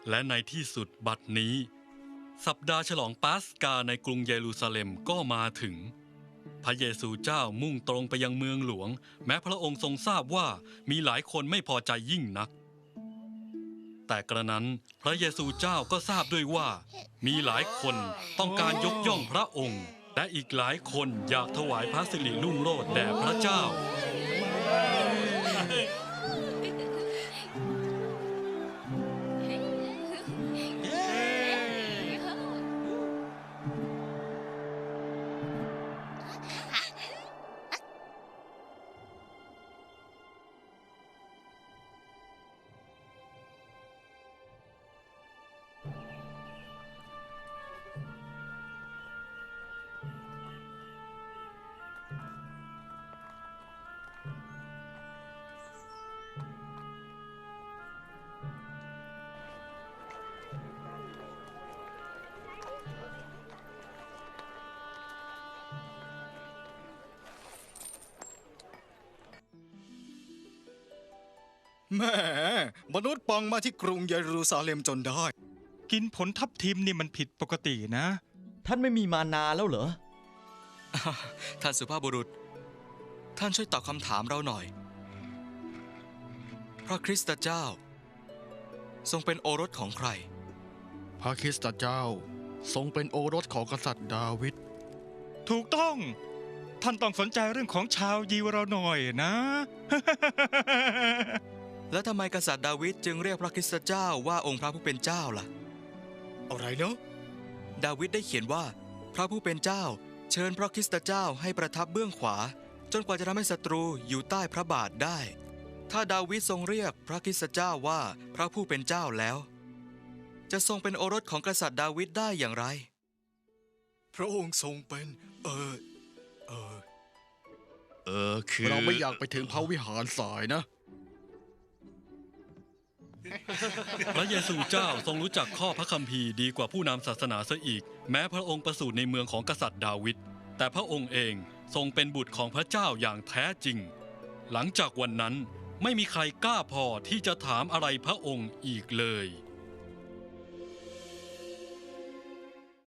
และในที่สุดบัดนี้สัปดาห์ฉลองปาสกาในกรุงเยรูซาเล็มก็มาถึงพระเยซูเจ้ามุ่งตรงไปยังเมืองหลวงแม้พระองค์ทรงทราบว่ามีหลายคนไม่พอใจยิ่งนักแต่กระนั้นพระเยซูเจ้าก็ทราบด้วยว่ามีหลายคนต้องการยกย่องพระองค์และอีกหลายคนอยากถวายพระสิริรุ่งโรจน์แด่พระเจ้าแม่มนุษย์ปังมาที่กรุงเยรูซาเล็มจนได้กินผลทับทิมนี่มันผิดปกตินะท่านไม่มีมานาแล้วเหรอท่านสุภาพบุรุษท่านช่วยตอบคำถามเราหน่อยพระคริสต์เจ้าทรงเป็นโอรสของใครพระคริสต์เจ้าทรงเป็นโอรสของกษัตริย์ดาวิดถูกต้องท่านต้องสนใจเรื่องของชาวยิวเราหน่อยนะแล้วทำไมกษัตริย์ดาวิดจึงเรียกพระคริสต์เจ้าว่าองค์พระผู้เป็นเจ้าล่ะอะไรเนาะดาวิดได้เขียนว่าพระผู้เป็นเจ้าเชิญพระคริสต์เจ้าให้ประทับเบื้องขวาจนกว่าจะทำให้ศัตรูอยู่ใต้พระบาทได้ถ้าดาวิดทรงเรียกพระคริสต์เจ้าว่าพระผู้เป็นเจ้าแล้วจะทรงเป็นโอรสของกษัตริย์ดาวิดได้อย่างไรพระองค์ทรงเป็นคือเราไม่อยากไปถึงพระวิหารสายนะพระเยซูเจ้าทรงรู้จักข้อพระคัมภีร์ดีกว่าผู้นำศาสนาเสียอีกแม้พระองค์ประสูติในเมืองของกษัตริย์ดาวิดแต่พระองค์เองทรงเป็นบุตรของพระเจ้าอย่างแท้จริงหลังจากวันนั้นไม่มีใครกล้าพอที่จะถามอะไรพระองค์อีกเลย